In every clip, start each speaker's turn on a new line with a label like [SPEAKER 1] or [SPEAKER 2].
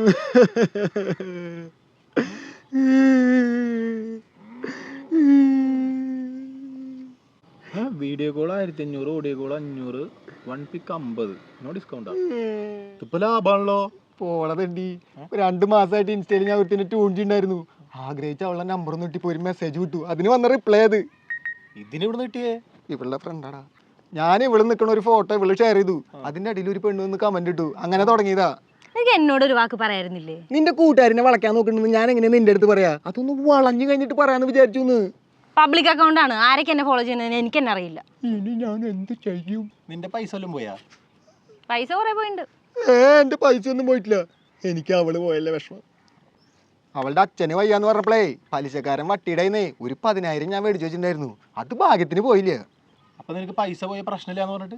[SPEAKER 1] Video call 1500, audio call 500, 1 pic 50. No ഡിസ്കൗണ്ടാ. ഇപ്പൊ ലാഭാണല്ലോ.
[SPEAKER 2] പോളതണ്ടി 2 മാസമായിട്ട് ഇൻസ്റ്റയിൽ ഞാൻ ഒരുത്തിന് ട്യൂണിണ്ടായിരുന്നു. ആഗ്രഹിച്ച അവളുടെ നമ്പർ ഒന്ന് കിട്ടിപ്പോ ഒരു മെസ്സേജ് വിട്ടു. അതിന് വന്ന റിപ്ലൈ അത്.
[SPEAKER 1] ഇതിന് ഇവിടെ കിട്ടിയേ?
[SPEAKER 2] ഇവളുടെ ഫ്രണ്ടാടാ. ഞാൻ ഇവിടെ നിൽക്കണ ഒരു ഫോട്ടോ ഇവള് ഷെയർ ചെയ്തു. അതിന്റെ അടിയിൽ ഒരു പെണ്ണ് വന്ന് കമന്റ് ഇട്ടു. അങ്ങനെ തുടങ്ങിയതാ.
[SPEAKER 3] എന്നോടൊരു വാക്ക് പറയായിരുന്നില്ലേ?
[SPEAKER 2] നിന്റെ കൂട്ടുകാരനെ വളയ്ക്കാൻ നോക്കണെന്ന് ഞാൻ എങ്ങനെ നിന്റെ അടുത്ത് പറയാ? അതൊന്ന് വളഞ്ഞു കഴിഞ്ഞിട്ട് പറയാന്ന് വിചാരിച്ചു.
[SPEAKER 3] പബ്ലിക് അക്കൗണ്ട് ആണ്. ആരൊക്കെ എന്നെ ഫോളോ ചെയ്യുന്നതെന്ന് എനിക്ക് തന്നെ അറിയില്ല.
[SPEAKER 2] ഇനി ഞാൻ എന്ത് ചെയ്യും?
[SPEAKER 1] നിന്റെ പൈസ വല്ലതും പോയാ?
[SPEAKER 3] പൈസ കുറെ പോയിട്ടുണ്ട്.
[SPEAKER 2] എന്റെ പൈസ ഒന്നും പോയിട്ടില്ല. എനിക്ക് അവള് പോയല്ലേ വിഷമം. അവളുടെ അച്ഛന് വയ്യാന്ന് പറഞ്ഞപ്പോഴേ പലിശക്കാരൻ വട്ടിയിടയിന്നേ ഒരു 10,000 ഞാൻ മേടിച്ചു വെച്ചിട്ടുണ്ടായിരുന്നു. അത് ഭാഗ്യത്തിന് പോയില്ല.
[SPEAKER 1] അപ്പൊ നിനക്ക് പൈസ പോയ പ്രശ്നമില്ലാന്ന് പറഞ്ഞിട്ട്?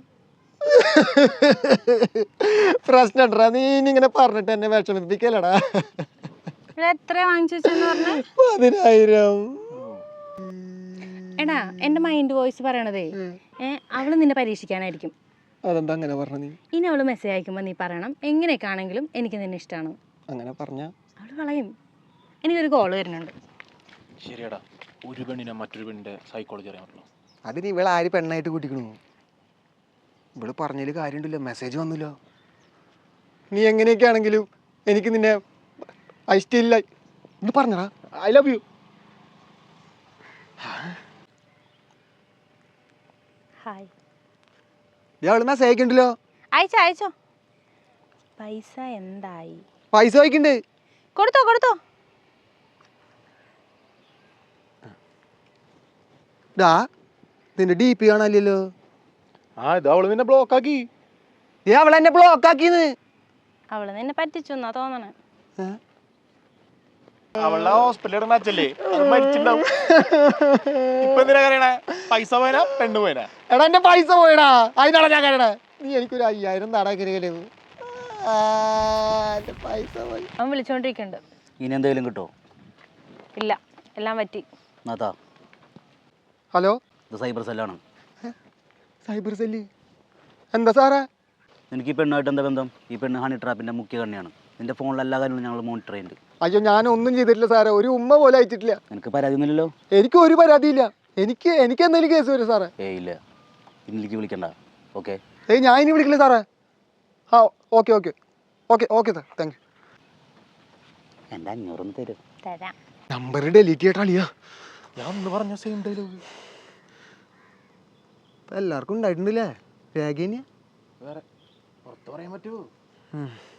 [SPEAKER 2] പ്രശ്നണ്ടാ, നീ ഇങ്ങനെ പറഞ്ഞിട്ട് എന്നെ വിഷമിപ്പിക്കലടാ.
[SPEAKER 3] എത്ര വാങ്ങിച്ചു വെച്ചെന്ന് പറഞ്ഞ?
[SPEAKER 2] 10,000.
[SPEAKER 3] എടാ എന്റെ മൈൻഡ് വോയിസ് പറയണതേ അവള് നിന്നെ പരീക്ഷിക്കാനായിരിക്കും.
[SPEAKER 2] അതെന്താ അങ്ങനെ പറഞ്ഞ? നീ
[SPEAKER 3] ഇനി അവള് മെസ്സേജ് അയക്കുമ്പോ നീ പറയണം എങ്ങനെയൊക്കെ ആണെങ്കിലും എനിക്ക് നിന്നെ ഇഷ്ടമാണ്.
[SPEAKER 2] അങ്ങനെ പറഞ്ഞ
[SPEAKER 3] അവള് കളയും. എനിക്കൊരു കോള് വരുന്നുണ്ട്.
[SPEAKER 1] ശരിയടാ, ഒരു പെണ്ണിനെ മറ്റൊരു പെണ്ണിന്റെ സൈക്കോളജി അറിയാൻ പറ്റുള്ളൂ.
[SPEAKER 2] അതിന് ഇവളെ ആര് പെണ്ണായിട്ട് കൂട്ടിക്കണു? ഇവള് പറഞ്ഞതിൽ കാര്യമുണ്ടല്ലോ, മെസ്സേജ് വന്നല്ലോ. നീ എങ്ങനെയൊക്കെ ആണെങ്കിലും എനിക്ക് നിന്നെ ഐ സ്റ്റിൽ ലൈക്ക് ഇത് പറഞ്ഞടാ, ഐ ലവ് യു.
[SPEAKER 3] ഹായ്.
[SPEAKER 2] ഇയാള് മെസ്സേജ് അയക്കണ്ടല്ലോ.
[SPEAKER 3] അയച്ചോ അയച്ചോ. പൈസ എന്തായി?
[SPEAKER 2] പൈസ അയക്കണ്ട്.
[SPEAKER 3] കൊടുത്തോ കൊടുത്തോ.
[SPEAKER 2] നിന്റെ ഡി പി കാണാനില്ലല്ലോ.
[SPEAKER 1] ഇത് അവള് നിന്നെ ബ്ലോക്ക് ആക്കി.
[SPEAKER 2] അവളെന്നെ ബ്ലോക്ക് ആക്കിന്ന്.
[SPEAKER 3] അവള് നിന്നെ പറ്റിച്ചു എന്നാ തോന്നണേ.
[SPEAKER 1] അവളുടെ ഹോസ്പിറ്റലിൽ മാച്ചല്ലേ, അത് മരിച്ചിട്ടുണ്ടാവും. ഇപ്പൊ എന്തിനാ കരയണേ? പൈസ പോയനാ പെണ്ണ് പോയനാ?
[SPEAKER 2] എടാ എന്റെ പൈസ പോയടാ, അതിനാണ് ഞാൻ കരയണേ. നീ എനിക്കൊരു 5,000 താടാ കരുകല്ലേ. പൈസ പോയി.
[SPEAKER 3] അവൻ വിളിച്ചോണ്ടിരിക്കണ്ട്.
[SPEAKER 4] ഇനി എന്തെങ്കിലും കിട്ടോ?
[SPEAKER 3] ഇല്ല, എല്ലാം പറ്റി.
[SPEAKER 2] ഹലോ,
[SPEAKER 4] ഇത് സൈബർ സെല്ലാണ്.
[SPEAKER 2] Cyber cell? എന്താ സാറേ?
[SPEAKER 4] എനിക്ക് ഈ പെണ്ണായിട്ട് എന്താ ബന്ധം? ഈ പെണ്ണ് ഹണി ട്രാപ്പിന്റെ മുഖ്യ കണ്ണിയാണ്. നിന്റെ ഫോണിൽ എല്ലാ കാര്യങ്ങളും ഞങ്ങൾ മോണിറ്റർ ചെയ്യുന്നുണ്ട്.
[SPEAKER 2] അയ്യോ, ഞാനൊന്നും ചെയ്തിട്ടില്ല സാറേ. ഒരു ഉമ്മ പോലെ അയച്ചിട്ടില്ല.
[SPEAKER 4] എനിക്ക് പരാതി ഒന്നുമില്ലല്ലോ?
[SPEAKER 2] എനിക്ക് ഒരു പരാതിയില്ല. എനിക്ക് എന്തെങ്കിലും കേസ് വരും സാറേ?
[SPEAKER 4] ഇല്ല, ഇന്നിലേക്ക് വിളിക്കണ്ട. ഓക്കെ?
[SPEAKER 2] ഞാൻ ഇനി വിളിക്കില്ല സാറേ. ആ okay okay okay okay sir, thank you.
[SPEAKER 4] എൻ്റെ 500 തരും.
[SPEAKER 3] തരാം.
[SPEAKER 2] നമ്പർ ഡെലീറ്റ് ചെയ്യട്ടാളിയാ.
[SPEAKER 1] ഞാൻ ഒന്ന് പറഞ്ഞ സെയിം ഡയലോഗ്
[SPEAKER 2] എല്ലാവർക്കും ഉണ്ടായിട്ടുണ്ടല്ലേ? രേഖ
[SPEAKER 1] വേറെ പുറത്ത് പറയാൻ പറ്റുമോ?